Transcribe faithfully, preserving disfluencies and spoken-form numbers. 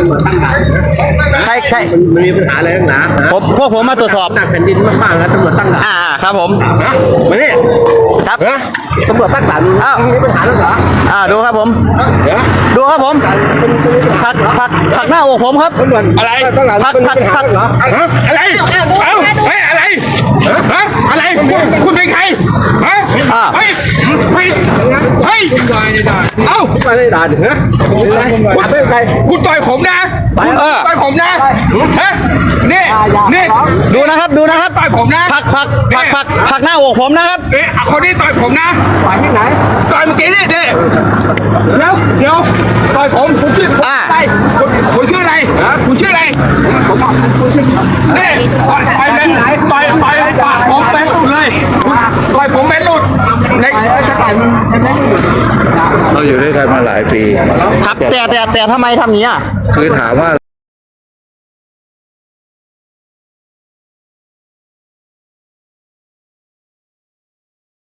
ำรวจตั้งด่านใครใครมันมีปัญหาอะไรหนาผมพวกผมมาตรวจสอบหนักแผ่นดินมากๆแล้วตำรวจตั้งด่านอ่าครับผมฮะมาเนี่ยครับฮะตำรวจตั้งด่านอ้าวมีปัญหาแล้วเหรออ่าดูครับผมเดี๋ยวดูครับผมผักผักผักหน้าอกผมครับตำรวจอะไรตั้งด่านพักมันมีพักปัญหาฮะอะไร เอ้าเฮ้ยอะไรฮะอะไรคุณคุณเป็นใครฮะอ่าเฮ้ยเฮ้ยเฮ้ยเอ้ามาในด่านเหรอคุณไม่เป็นใครคุณต่อยผมนะคุณเออต่อยผมนะฮะนี่นี่ดูนะครับดูนะครับต่อยผมนะผักผักผักผักผักหน้าอกผมนะครับเอ๊ะคนนี้ต่อยผมนะฝ่ายที่ไหนต่อยเมื่อกี้นี่นี่เดี๋ยวเดี๋ยวต่อยผมคุณชื่ออ่าอะไรคุณคุณชื่ออะไรฮะคุณชื่ออะไรผมบอกคุณชื่อนี่ต่อยต่อยเป็นต่อยต่อยปากผมเป็นหลุดเลยต่อยผมเป็นหลุดในเราอยู่ด้วยกันมาหลายปีครับแต่แต่แต่ทำไมทำอย่างนี้อ่ะคือถามว่า